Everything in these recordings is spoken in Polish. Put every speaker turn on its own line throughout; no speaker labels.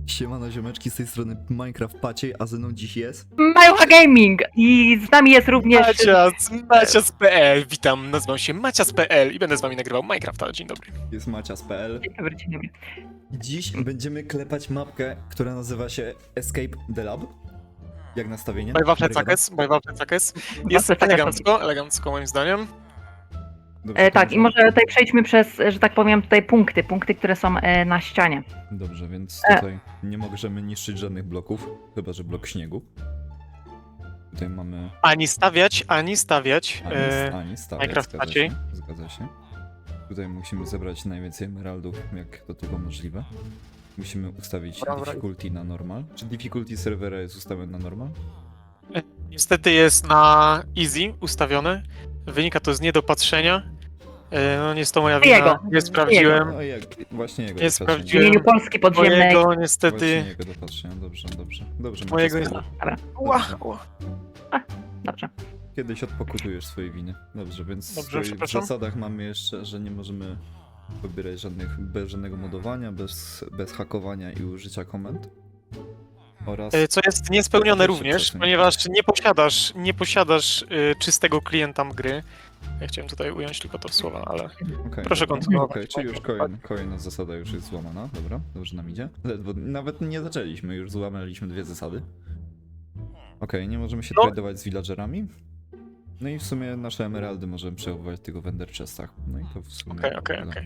Siemano ziomeczki, z tej strony Minecraft Paciej, a ze mną dziś jest...
Majucha Gaming i z nami jest również...
Macias.pl, witam, nazywam się Macias.pl i będę z wami nagrywał Minecrafta. Dzień dobry.
Jest Macias.pl.
Dzień dobry, dzień dobry.
I dziś będziemy klepać mapkę, która nazywa się Escape the Lab. Jak nastawienie?
Bajwafle cakes. Jest elegancko moim zdaniem.
Dobrze,
Tak, i może tutaj przejdźmy przez, że tak powiem, tutaj punkty, które są na ścianie.
Dobrze, więc tutaj nie możemy niszczyć żadnych bloków, chyba że blok śniegu. Tutaj mamy...
Ani stawiać.
Ani stawiać,
Minecraft
zgadza
Maciej.
się, zgadza się. Tutaj musimy zebrać najwięcej emeraldów, jak to tylko możliwe. Musimy ustawić difficulty na normal. Czy difficulty serwera jest ustawiony na normal?
Niestety jest na easy ustawione. Wynika to z niedopatrzenia. No nie jest to moja wina.
Jego.
Nie sprawdziłem.
No jak, właśnie jego
Nie
dopatrzenia.
W
sprawdziłem.
imieniu Polski Podziemnej.
Mojego
Właśnie
niestety.
jego dopatrzenia, dobrze.
Mojego
Maciej,
jest-
Dobra,
Ła.
dobrze.
Kiedyś odpokutujesz swoje winy. Dobrze, więc
Dobrze,
w
przepraszam.
zasadach mamy jeszcze, że nie możemy pobierać bez żadnego modowania, bez hakowania i użycia komend. Oraz...
Co jest niespełnione
Jeszcze
również,
przesuń.
ponieważ nie posiadasz czystego klienta gry. Ja chciałem tutaj ująć tylko to w słowa, ale
Okej,
proszę
dobra.
kontynuować.
Okej, czyli już kolejna zasada już jest złamana. Dobra, dobrze nam idzie. Ledwo, nawet nie zaczęliśmy, już złamaliśmy dwie zasady. Okej, nie możemy się
No.
tradować z villagerami. No i w sumie nasze emeraldy możemy przechowywać tylko w ender chestach. No i to w sumie...
Okej.
tyle.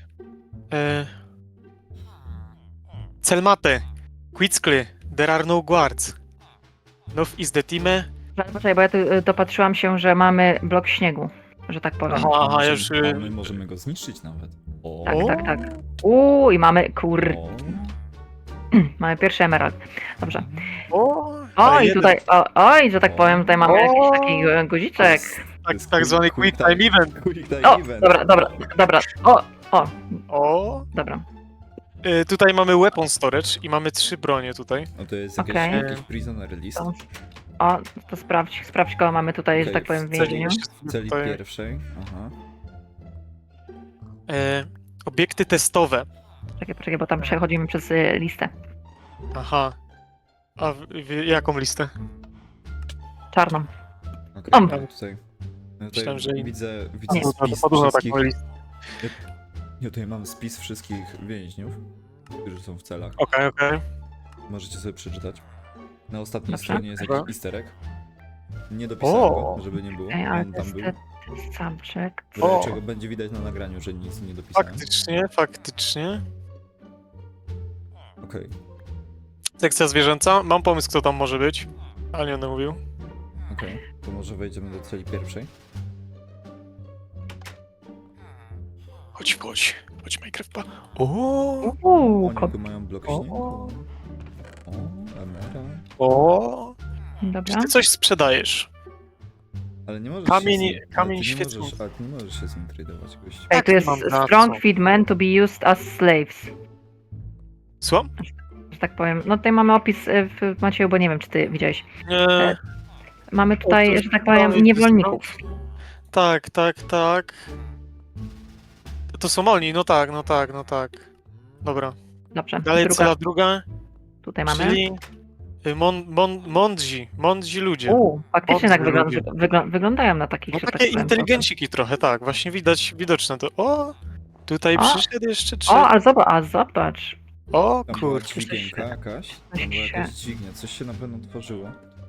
Celmate, Quickly, there are no guards. Now is the team.
Poczekaj, bo ja tu dopatrzyłam się, że mamy blok śniegu, że tak powiem.
Aha,
Możemy-
już,
a my możemy go zniszczyć nawet. O,
Tak. I mamy,
o.
mamy pierwszy emerald. Dobrze.
O,
O,
ale
i
jeden.
tutaj, że tak powiem, tutaj mamy jakiś taki guziczek.
Tak zwany quick time event.
Quick time
O,
event.
dobra.
O,
Dobra.
tutaj mamy weapon storage i mamy 3 bronie tutaj.
No to jest
Okej.
jakiś prisoner list.
To sprawdź kogo mamy tutaj, że
Okej,
tak powiem, w
w celi
więzieniu.
W celi
Tutaj,
pierwszej. Aha.
obiekty testowe.
Poczekaj, bo tam przechodzimy przez listę.
Aha. A jaką listę?
Czarną.
Okej,
Om.
no tutaj
Myślałem, że-
widzę
Nie,
spis
Podobno
wszystkich...
taką listę.
Ja tutaj mam spis wszystkich więźniów, którzy są w celach.
Okej.
Możecie sobie przeczytać. Na ostatniej
Dobrze.
stronie jest
Dobra.
jakiś easter egg. Nie dopisałem go,
O.
żeby nie było.
Ej, ale
On
to
tam
jest
był.
ten samczyk.
W razie
O.
czego będzie widać na nagraniu, że nic nie dopisałem.
Faktycznie.
Okej.
Sekcja zwierzęca. Mam pomysł, kto tam może być. Ale nie będę mówił.
Okej. To może wejdziemy do celi pierwszej.
Chodź, Minecraft. O,
Oni
Kot.
tu mają blok
O.
śniegu. O, emerald.
o. Czy
Dobra.
ty coś sprzedajesz?
Ale nie możesz
Kamień-
się z nim,
kamień
ale ty nie
świecący.
możesz, ale ty nie możesz się z nim tradować, gościu.
Ej, tu jest
mam na
strong
co?
feed men to be used as slaves.
Słucham?
Że tak powiem. No tutaj mamy opis w Macieju, bo nie wiem, czy ty widziałeś.
Nie.
Mamy tutaj, że tak powiem,
Dalej,
niewolników.
Tak. To są oni, no tak. Dobra.
Dobrze.
Dalej
Druga,
cela druga,
tutaj mamy.
czyli mądrzy ludzie.
Faktycznie tak
Mądrzy
wyglądają na takich,
No
że tak
takie
powiem.
inteligenciki trochę, tak. Właśnie widoczne to. O, tutaj
O.
przyszedł jeszcze 3.
O, ale zobacz.
O
Tam była
kurczę.
dźwigienka jakaś. Tam była jakaś dźwignia, coś się na pewno tworzyło.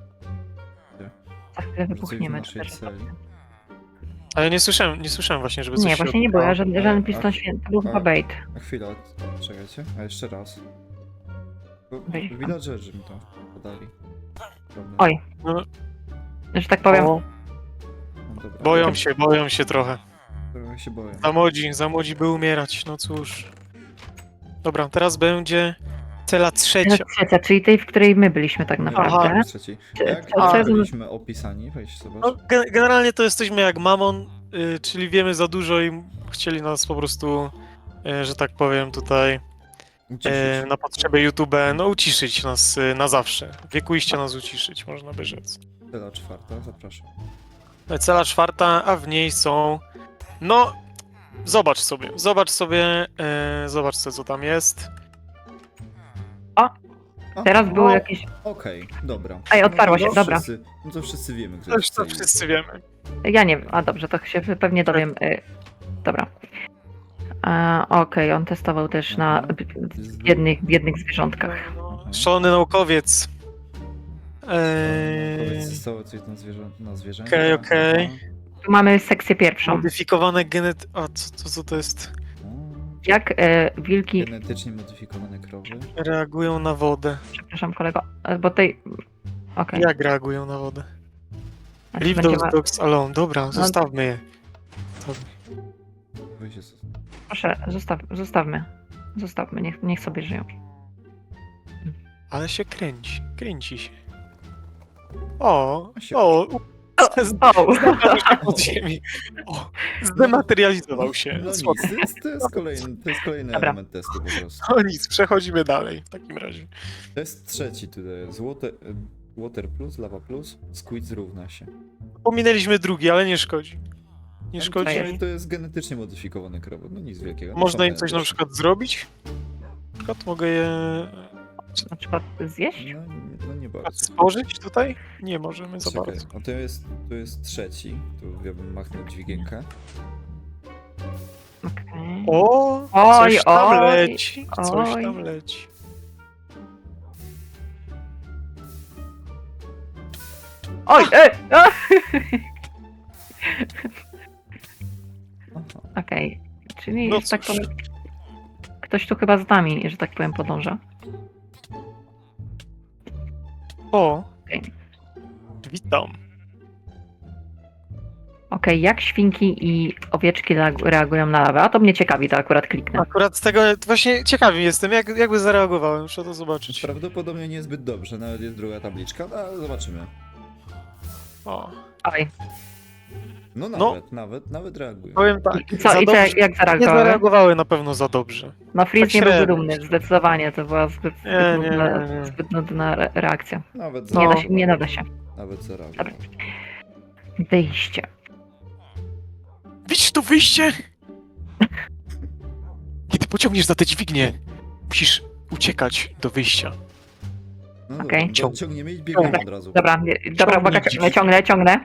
Za chwilę
Może coś w
wybuchniemy.
naszej celi.
Ale nie słyszałem właśnie, żeby coś
Nie,
się
właśnie nie było.
odbywało.
Żaden piston święty. To był chyba bait.
A chwila, czekajcie, a jeszcze raz. Bo
Weź tam.
villagerzy mi to podali. Prawda?
Oj.
No,
Że tak powiem.
o,
No dobra.
boją się trochę.
Trochę się boję.
Za młodzi by umierać, no cóż. Dobra, teraz będzie cela trzecia.
Trzecia, czyli tej, w której my byliśmy tak naprawdę.
Nie, trzeci. Jak
co jest-
byliśmy opisani? Weź zobacz.
No, generalnie to jesteśmy jak Mamon, czyli wiemy za dużo i chcieli nas po prostu, że tak powiem tutaj,
Uciszyć.
na potrzeby YouTube, no uciszyć nas na zawsze. Wiekuiście nas uciszyć, można by rzec.
Cela czwarta, zapraszam.
Cela czwarta, a w niej są, no, zobacz sobie, co tam jest.
Aha,
Teraz były jakieś...
Okej, dobra.
Ej, otwarło się,
to
dobra.
No to wszyscy wiemy, kto
To już
jest
to
tej-
wszyscy wiemy.
Ja nie wiem, a dobrze, to się pewnie dowiem. Dobra. Okej, on testował też na
Aha.
biednych zwierzątkach.
Szalony naukowiec.
Powiedz, zostało coś na zwierzę?
Okej.
Tu mamy sekcję pierwszą.
Modyfikowane A co to jest?
Jak wilki...
Genetycznie modyfikowane krowy.
Reagują na wodę.
Przepraszam kolego, bo tej... Okej.
Jak reagują na wodę?
Znaczy
Leave
będzie
those
wa-
dogs alone. Dobra, zostawmy je.
Weź się-
Proszę, zostawmy. Zostawmy, niech sobie żyją.
Ale się kręci się. O,
Się-
o,
O!
znalazł się pod ziemi. O, zdematerializował się.
No
Spoko.
nic, to jest kolejny
Dobra.
element testu po prostu.
No nic, przechodzimy dalej w takim razie.
Test trzeci tutaj jest water plus, lava plus, squid równa się.
Pominęliśmy drugi, ale nie szkodzi. Nie
Ale
szkodzi.
jest.
to jest genetycznie modyfikowane krowy, no nic wielkiego.
Można im
są
coś na
genetyczne.
przykład zrobić? Na przykład mogę je
Na przykład zjeść?
No nie bardzo.
stworzyć tutaj? Nie możemy za
Czekaj,
bardzo.
a to jest trzeci, tu ja bym machnął dźwigienkę.
Okej.
O,
Oj,
coś tam
oj,
leci. Coś
oj.
tam leci.
Oj!
Aha.
Okej. Czyli,
No
że tak
cóż.
powiem... Ktoś tu chyba z nami, że tak powiem, podąża.
O,
Okej.
witam.
Okej, jak świnki i owieczki reagują na lawę? A to mnie ciekawi, to akurat kliknę.
Akurat z tego właśnie ciekawy jestem, jakby zareagowałem, muszę to zobaczyć.
Prawdopodobnie niezbyt dobrze, nawet jest druga tabliczka, no, ale zobaczymy.
O,
Oj.
No
No.
nawet reagują.
powiem tak.
I co, jak
Nie
zareagowały?
zareagowały na pewno za dobrze.
No Fritz
tak
nie byłby
średnio.
dumny, zdecydowanie, to była zbyt
Nie.
nudna reakcja.
Nawet
Nie,
No.
nie nada się.
Nawet zareagował.
Dobra. Wyjście.
Widzisz to wyjście? Kiedy pociągniesz za te dźwignie, musisz uciekać do wyjścia.
No
Okej.
dobra, to ciągniemy i biegniemy od razu.
Dobra, uwaga,
dźwignię.
ciągnę.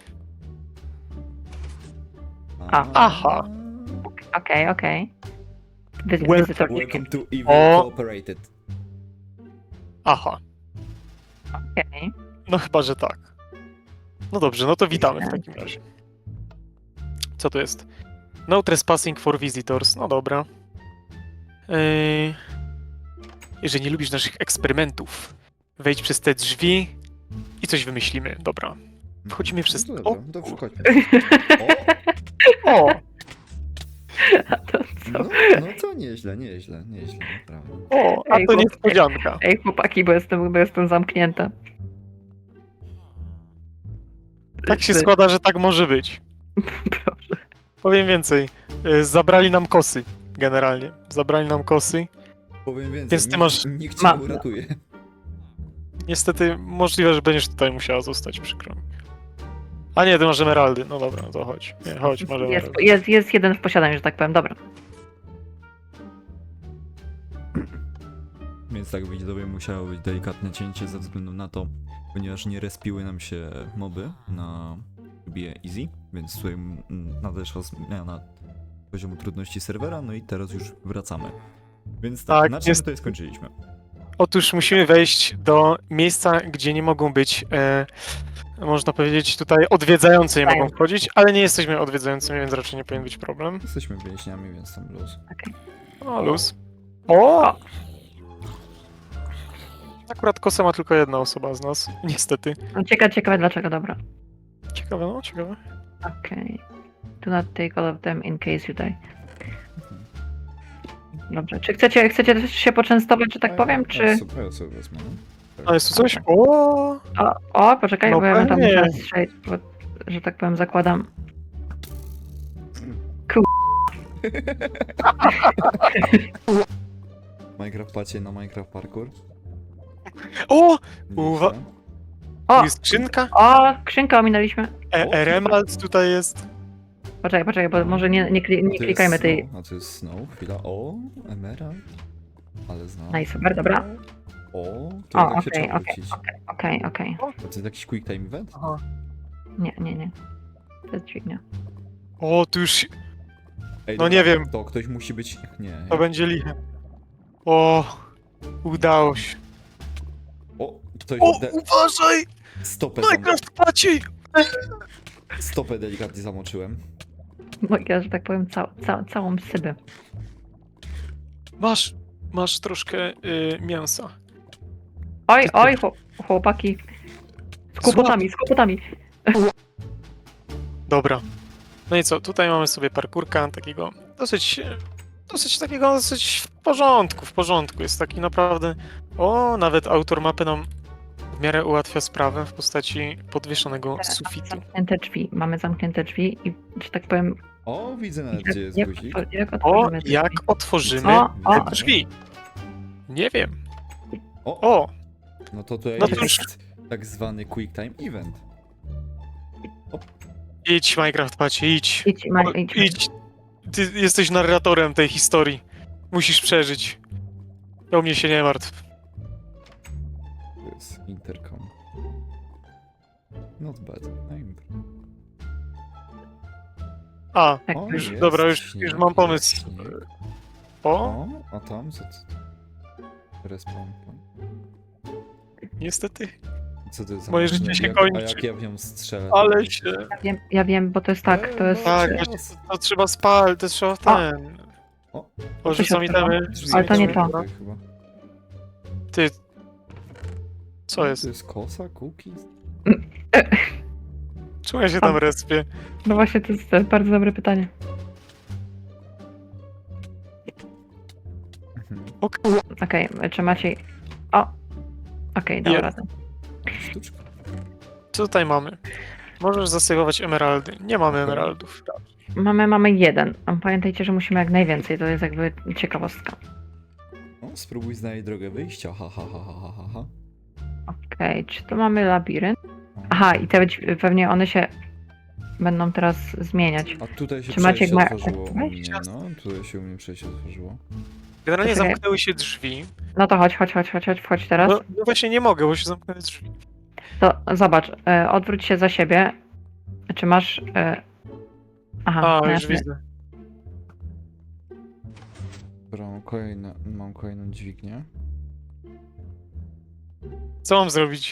Aha.
Okej.
Welcome.
Wizytor.
Welcome to Evil
O.
Cooperated.
Aha,
Okej.
no chyba, że tak. No dobrze, no to witamy w takim razie. Co to jest? No trespassing for visitors, no dobra. Jeżeli nie lubisz naszych eksperymentów, wejdź przez te drzwi i coś wymyślimy. Dobra. Wchodzimy przez...
No
O,
dobra, to wchodźmy.
o,
No, no to nieźle, naprawdę.
o, a
Ej,
to
chłop-
niespodzianka.
Ej, chłopaki, bo jestem zamknięta.
Tak się składa, że tak może być.
Proszę.
Powiem więcej. Zabrali nam kosy, generalnie. Zabrali nam kosy.
Powiem więcej,
Więc ty masz-
nikt cię nie uratuje.
Niestety możliwe, że będziesz tutaj musiała zostać, przykro mi. A nie, ty masz emeraldy. No dobra, no to chodź. Nie, chodź, masz emeraldy.
Jest jeden w posiadaniu, że tak powiem. Dobra.
Więc tak widzowie musiało być delikatne cięcie ze względu na to, ponieważ nie respiły nam się moby na trybie easy, więc tutaj nadeszła zmiana poziomu trudności serwera, no i teraz już wracamy. Więc tak,
Tak,
na czym
jest-
tutaj skończyliśmy?
Otóż musimy wejść do miejsca, gdzie nie mogą być, można powiedzieć, tutaj odwiedzający nie
Tak.
mogą wchodzić, ale nie jesteśmy odwiedzającymi, więc raczej nie powinien być problem.
Jesteśmy więźniami, więc tam luz.
O, luz. O! Akurat kosę ma tylko jedna osoba z nas, niestety.
No, ciekawe dlaczego, dobra.
Ciekawe, no, ciekawe.
Okej. Do not take all of them in case you die. Dobrze. Czy chcecie też się poczęstować, że tak powiem, czy...
Ja sobie wezmę, no.
A jest tu coś? O!
O, poczekaj,
No
bo ja bym tam
pewnie.
musiała strzelić, bo, że tak powiem, zakładam...
Minecraft pacie na Minecraft Parkour.
O!
Nieźle.
Uwa-
O!
Tu jest skrzynka?
O, skrzynkę ominęliśmy.
Emerald tutaj jest.
Poczekaj, bo może nie
A to jest
klikajmy tej...
Snow. A to jest Snow, chwila. O, Emerald. Ale znam.
Nice, super, dobra.
O, to
O,
tak się
okej,
trzeba
okej,
wrócić.
Okej.
To jest jakiś quick time event?
Aha.
Nie. To jest dźwignia.
O, tu już
Ej,
No
dobra,
nie wiem.
To ktoś musi być... Nie.
to będzie liche. O, udało się.
O, ktoś...
O, uważaj! Minecraft płaci!
Stopę delikatnie zamoczyłem.
No ja, że tak powiem, całą sybę.
Masz troszkę mięsa.
Oj, chłopaki. Z kłopotami.
Dobra. No i co, tutaj mamy sobie parkurka takiego dosyć w porządku. Jest taki naprawdę... O, nawet autor mapy nam w miarę ułatwia sprawę w postaci podwieszonego sufitu.
Mamy zamknięte drzwi i, że tak powiem...
O, widzę nawet, gdzie jest
jak
guzik.
O,
otworzymy drzwi?
jak otworzymy
O,
te drzwi? Nie wiem.
O,
O,
no to tutaj
No to
jest tak zwany quick time event.
idź Minecraft płaci, idź.
Idź.
Idź. Ty jesteś narratorem tej historii. Musisz przeżyć. O mnie się nie martw.
To jest intercom. Not bad.
A,
Tak,
O,
już,
jest
dobra, już
śnieg,
mam pomysł.
jest śnieg.
O,
O, a tam co to? Respawn point.
niestety.
Co to jest za
Moje
maszyna?
życie się
Jak-
kończy.
A jak ja w nią strzelę?
Ale się...
Ja wiem, bo to jest tak, to jest...
Tak,
no,
właśnie, to trzeba spalić, to trzeba w ten...
O.
O, rzucam itemy.
Drzwi
Ale to nie to.
tutaj chyba.
Ty... Co jest?
To jest kosa, cookies?
Czemu ja się tam respię?
No właśnie, to jest bardzo dobre pytanie.
Mhm.
Okej, czy Maciej... O! Okej, dał
Jest.
radę.
Sztuczka.
Co tutaj mamy? Możesz zasygować emeraldy. Nie mamy
Okej.
emeraldów.
Mamy jeden. A pamiętajcie, że musimy jak najwięcej, to jest jakby ciekawostka.
O, spróbuj znaleźć drogę wyjścia. Ha.
Okej, czy to mamy labirynt?
O.
Aha, i pewnie one się będą teraz zmieniać.
A tutaj się
Czy Maciek
przejście
ma-
otworzyło u mnie,
Wejść?
no. Tutaj się u mnie przejście otworzyło.
Generalnie
Poczekaj.
zamknęły się drzwi.
No to chodź, wchodź teraz.
No właśnie nie mogę, bo się zamknęły drzwi.
To zobacz, odwróć się za siebie. Czy masz... Aha,
A,
no
już
jasne.
widzę.
Dobra, mam kolejną dźwignię.
Co mam zrobić?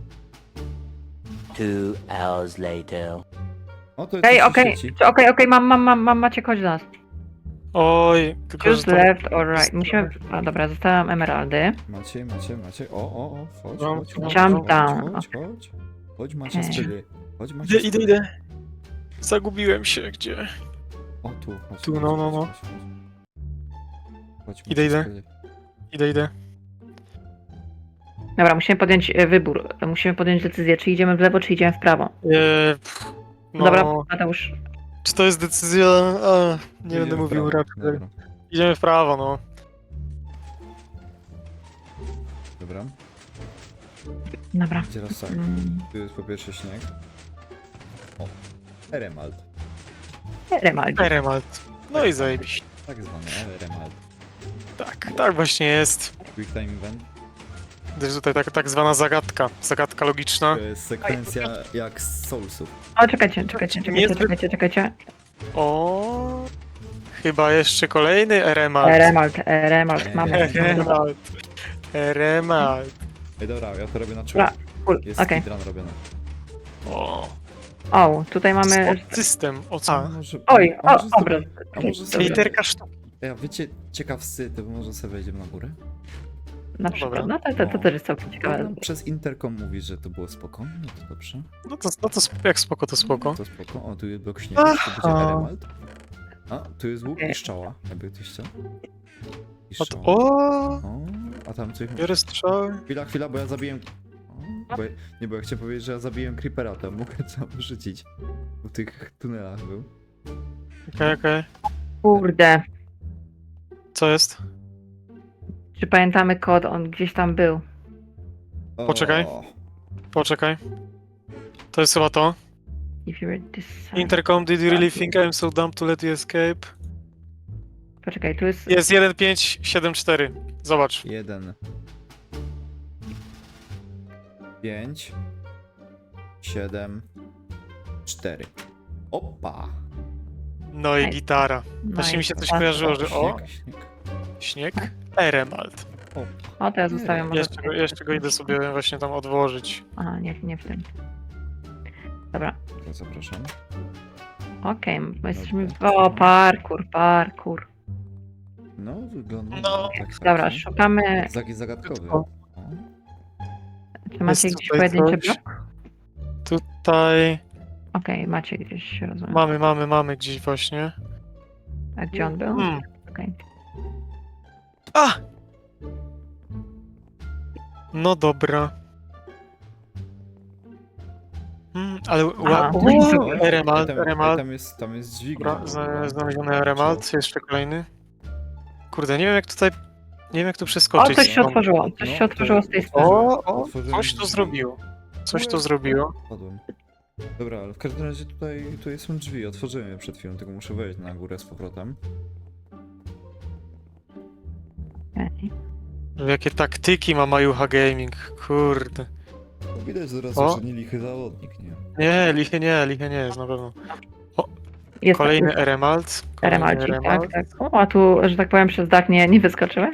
2 hours later.
O, to jest
Okej, mam, Maciek, chodź do nas.
Oj, tylko że
Choose
to...
left or right. Musimy... A dobra, zostawiam emeraldy.
Macie. O, chodź.
Jump down.
Chodź, Macie
Okej.
spyly. Chodź, Macie
Idę.
spyly.
Zagubiłem się, gdzie?
O, tu, chodź.
Tu,
chodź,
no.
chodź. Chodź,
Idę.
Macie spyly.
Idę.
Dobra, musimy podjąć wybór. Musimy podjąć decyzję, czy idziemy w lewo, czy idziemy w prawo.
No,
Dobra, Mateusz.
czy to jest decyzja? A, nie
Idziemy
będę
w
mówił
prawo.
raczej.
Dobra.
Idziemy w prawo, no.
Dobra.
Dobra.
Teraz tak.
Mm,
Tu jest po pierwsze śnieg. O, Eremald.
Remaldi.
Eremalt. No i zajebiście.
Tak zwany Eremald.
Tak właśnie jest.
Quick time event.
To jest tutaj tak zwana zagadka logiczna.
To jest sekwencja jak z Soulsów.
O, czekajcie.
O, chyba jeszcze kolejny Eremalt.
Remalt, mamy.
Eremalt.
Ej, dobra, ja to robię na
Dobra,
czuł.
cool,
Jest
okej.
speedrun robiony.
O, tutaj mamy...
System,
A
co?
może...
Oj,
a może
obraz.
a może sobie...
Literka sztuki.
Ej, a wiecie, ciekawscy, to może sobie wejdziemy na górę?
Na przykład,
Dobra.
no to też jest całkiem ciekawe.
No, przez interkom mówisz, że to było spoko. No to dobrze.
No to jak spoko, to spoko.
To spoko. O, tu jest blok śniegu, to będzie
Aha.
Eremald. A, tu jest łuk i strzała, jakby ktoś chciał. I strzała.
O,
A tam coś...
biorę strzały.
Chwila, bo ja zabiłem... O, bo ja chciałem powiedzieć, że ja zabiłem Creepera, tam mogę tam rzucić. W tych tunelach był.
Okej.
Kurde,
Co jest?
czy pamiętamy kod? On gdzieś tam był.
O,
Poczekaj. To jest chyba to.
If you were this...
Intercom, did you really think I'm so dumb to let you escape?
Poczekaj, tu jest...
Jest 1574. Zobacz.
1. 5, 7, 4. Opa!
No i
Ej.
gitara.
No
Właśnie
i
mi się coś
super.
kojarzyło, że o,
Śnieg.
śnieg, Eremalt.
Opa.
O, to ja zostawiam może...
Jeszcze go idę sobie właśnie tam odłożyć.
A, nie w tym. Dobra,
To zapraszam.
okej, my jesteśmy...
Dobra.
O, parkour.
No, wygląda
No.
tak.
Dobra, szukamy...
Zagadkowy.
O.
O.
Czy macie
Jest
gdzieś
tutaj
pojedynczy
coś.
blok?
Tutaj
Okej, macie gdzieś, rozumiem.
mamy gdzieś właśnie.
A gdzie on był?
Hmm.
Okej.
A! No dobra. Ale
A,
o,
no i
Oj,
Eremalt,
tam,
Eremalt.
tam jest dźwignia.
Dobra, znaleziony Eremalt, jeszcze kolejny. Kurde, nie wiem jak tutaj... Nie wiem jak tu
O,
przeskoczyć.
coś się
stąd.
otworzyło. Coś się
No,
otworzyło z tej
to-
strony.
O,
Otworzyłem
coś to
drzwi.
zrobiło. Coś to zrobiło.
Padłem. Dobra, ale w każdym razie tutaj są drzwi. Otworzyłem je przed chwilą, tylko muszę wejść na górę z powrotem.
Okej.
Jakie taktyki ma Majuha Gaming, kurde.
No, widać zaraz,
O.
że nie lichy zawodnik, nie?
Nie, lichy nie jest na pewno.
Jest
Kolejny
jest
Eremalt.
Eremalcik, tak. O, a tu, że tak powiem, przez dach nie wyskoczyły?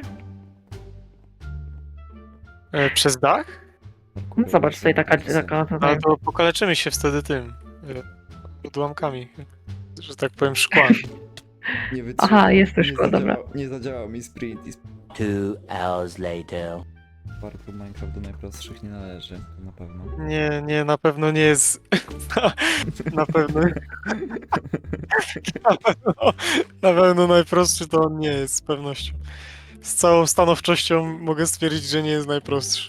Przez dach?
No, zobacz, tutaj taka
Ale
tutaj.
to pokaleczymy się wtedy tym. Odłamkami. Że tak powiem szkłami.
Nie wytrzymał.
Aha, jest to
Nie
szkło, dobra.
Nie zadziałał mi sprint i
2 hours later.
parkour Minecraft do najprostszych nie należy, to na pewno.
Nie, na pewno nie jest. Na pewno. Na pewno najprostszy to on nie jest, z pewnością. Z całą stanowczością mogę stwierdzić, że nie jest najprostszy.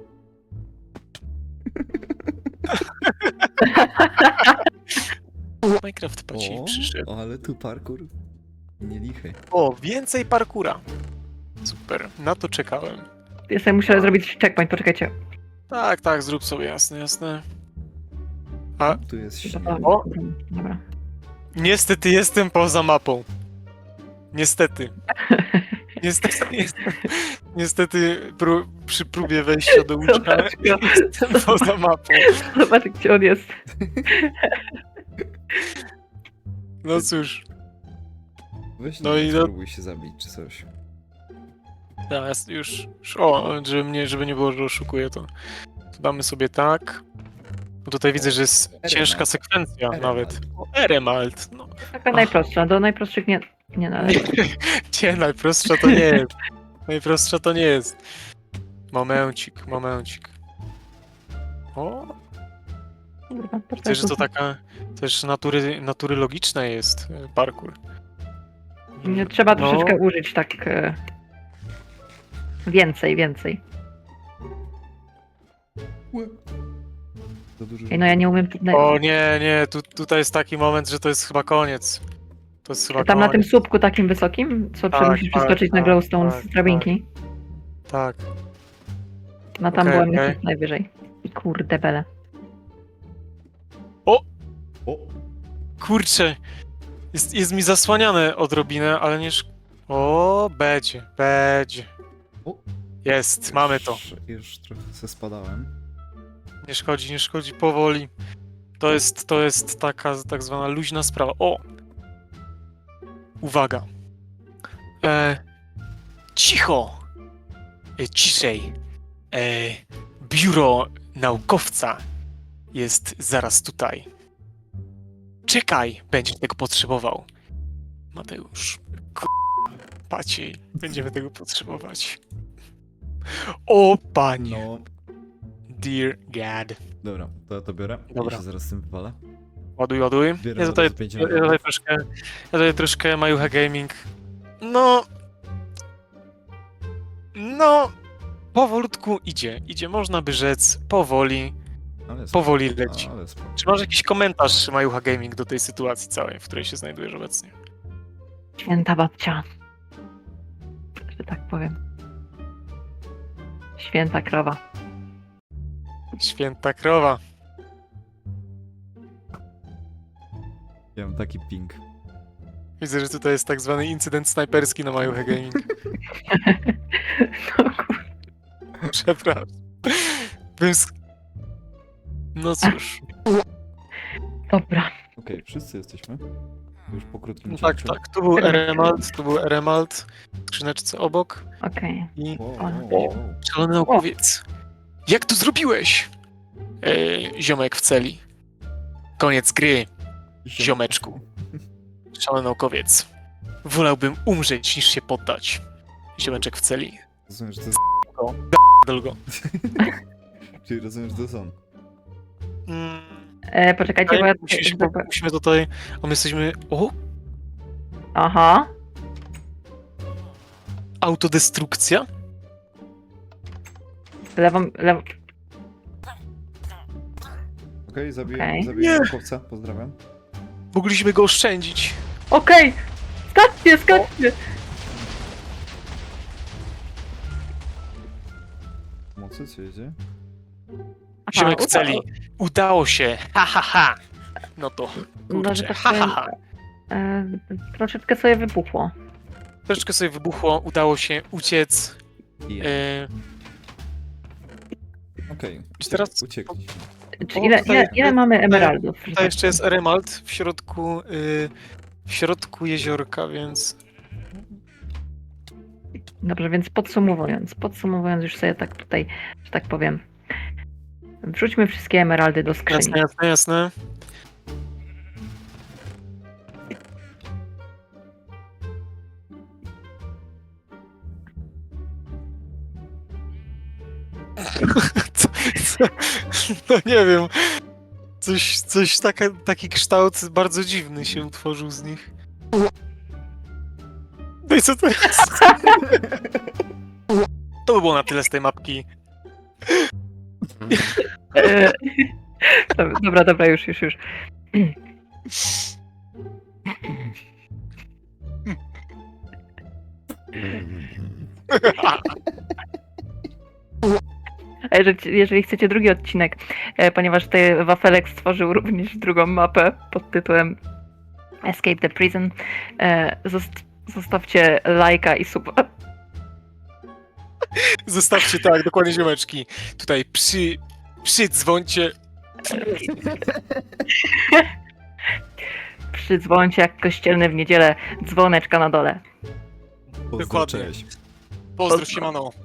Minecraft paci przyszedł.
ale tu parkour nie lichy.
O, więcej parkura. Super, na to czekałem.
Ja sobie muszę zrobić checkpoint, poczekajcie.
Tak, zrób sobie, jasne.
Tu jest śnieg.
O!
Dobra.
Niestety jestem poza mapą. Niestety. Niestety przy próbie wejścia do łóżka
Zobacz go.
jestem poza mapą.
Zobacz, gdzie on jest.
No cóż,
Weź
No
no
i
i
do-
spróbuj się zabić czy coś.
teraz już o, żeby nie było, że oszukuję, to damy sobie tak. Bo tutaj widzę, że jest
Eremalt.
ciężka sekwencja
Eremalt.
nawet. O, Eremalt, no.
Taka najprostsza, do najprostszych nie należy.
Nie, najprostsza to nie jest. Najprostsza to nie jest. Momencik. O,
Kurwa,
widzę, że to taka też natury logiczna jest parkour.
Nie, trzeba
No.
troszeczkę użyć tak więcej.
Za dużo.
Ej, no ja nie umiem...
O nie, tutaj jest taki moment, że to jest chyba koniec. To jest chyba
Tam na tym
koniec.
słupku takim wysokim, co
Tak,
musisz
tak,
przeskoczyć na
tak,
glowstone
tak,
z drabinki.
Tak.
No tam
Okej,
byłem
okej.
najwyżej. I kurde bele.
O!
Kurczę, jest mi zasłaniane odrobinę, ale nie... O, będzie.
O!
Jest, mamy to.
Już trochę se spadałem.
Nie szkodzi, powoli. To jest taka tak zwana luźna sprawa. O! Uwaga. Cicho! Ciszej. Biuro naukowca jest zaraz tutaj. Czekaj, będziesz tego potrzebował. Mateusz. Paciej, będziemy tego potrzebować. O panie.
No,
Dear God.
dobra, to ja to biorę.
Dobra.
Ja się zaraz z tym wywalę.
Ładuj.
Biorę
Ja tutaj,
zaraz 5
ja tutaj troszkę Majuha Gaming. No, powolutku idzie, można by rzec, powoli leci.
Ale spoko.
Czy masz jakiś komentarz Majuha Gaming do tej sytuacji całej, w której się znajdujesz obecnie?
Święta babcia. Że tak powiem. Święta krowa.
Święta krowa.
Ja mam taki ping.
Widzę, że tutaj jest tak zwany incydent snajperski na Majuha Gaming.
No, kur-
Przepraszam. No cóż.
Dobra.
Okej, wszyscy jesteśmy. Już po krótkim
No tak,
cięciu.
tak. Tu był Eremald, tu był Eremald. W skrzyneczce obok.
Okej.
I
Wow,
O,
wow, wow.
szalony naukowiec. Jak to zrobiłeś? Ziomek w celi. Koniec gry, ziomeczku. Szalony naukowiec. Wolałbym umrzeć niż się poddać. Ziomeczek w celi.
Rozumiesz, że to jest...
Dolgo.
Czyli rozumiesz, że to są.
Poczekajcie, bo ja...
Musimy tutaj. A my jesteśmy. O!
Aha.
Autodestrukcja?
Lewą...
Okej, zabiję
Okej.
zabiję naukowca, pozdrawiam.
Mogliśmy go oszczędzić.
Okej! Skaczcie, skaczcie!
Pomocy, co jedzie?
Ziomek w
udało.
celi. Udało się. Ha, ha, ha. No to.
No, że
Kurczę.
tak
Ha, ha,
powiem,
ha.
troszeczkę sobie wybuchło.
Troszeczkę sobie wybuchło. Udało się uciec.
Yeah.
Okej.
Okej,
czy teraz-
uciekliśmy.
Czy
O,
ile,
tutaj-
ile mamy emeraldów? że
Tutaj
tak
jeszcze jest Eremald w środku jeziorka, więc.
Dobrze, więc podsumowując już sobie tak tutaj, że tak powiem, wrzućmy wszystkie emeraldy do skrzyni.
Jasne, jasne, jasne. Co? No nie wiem. Taki kształt bardzo dziwny się utworzył z nich. No i co to jest? To by było na tyle z tej mapki.
E, Dobra, już. A jeżeli chcecie drugi odcinek, ponieważ tutaj Wafelek stworzył również drugą mapę pod tytułem Escape the Prison, zostawcie lajka i suba.
Zostawcie tak, dokładnie ziomeczki. Tutaj przydzwońcie.
Przydzwońcie jak kościelny w niedzielę, dzwoneczka na dole.
Pozdro,
Dokładnie.
cześć.
Pozdrów się, mano.